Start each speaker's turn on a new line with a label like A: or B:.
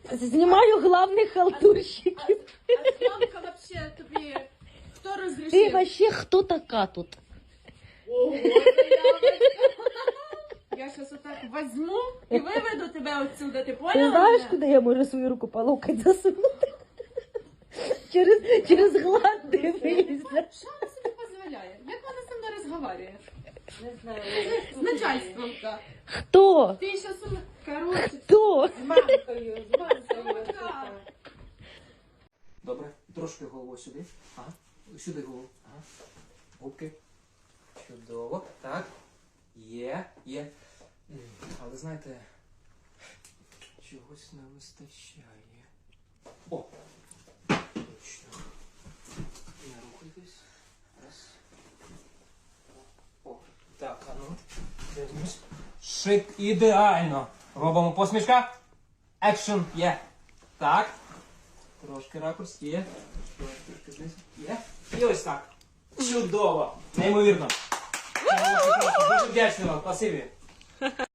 A: Знімаю главних халтурщиків.
B: А зйомка вообще тобі хто розрішив?
A: Ти вообще хто така тут?
B: Ого, я зараз отак возьму і виведу тебе отсюда, ти
A: Ти
B: поняла?
A: знаєш,
B: мене?
A: куди я можу свою руку по локоть засунути? Через глад дивися.
B: Що вона собі дозволяє? Як вона зі мною розговорює?
C: Не знаю.
B: З начальством, так.
A: Хто?
B: Ти ще сум... Короче,
A: Хто?
C: З мамкою, з мамкою.
B: Так.
D: Добре, трошки голову сюди. Ага. Сюди голову. Ага. Губки. Чудово. Так. Є. Але знаєте, чогось не вистачає. О! Точно. Не рухайтесь. Раз. О. Так, а ну. Дивимось. Шик, ідеально. Робимо посмішка. Екшн. Є. Так. Трошки ракурс. Є. Трошки знизу. Є. І ось так. Чудово. Неймовірно. Дуже вдячний вам. Спасибі.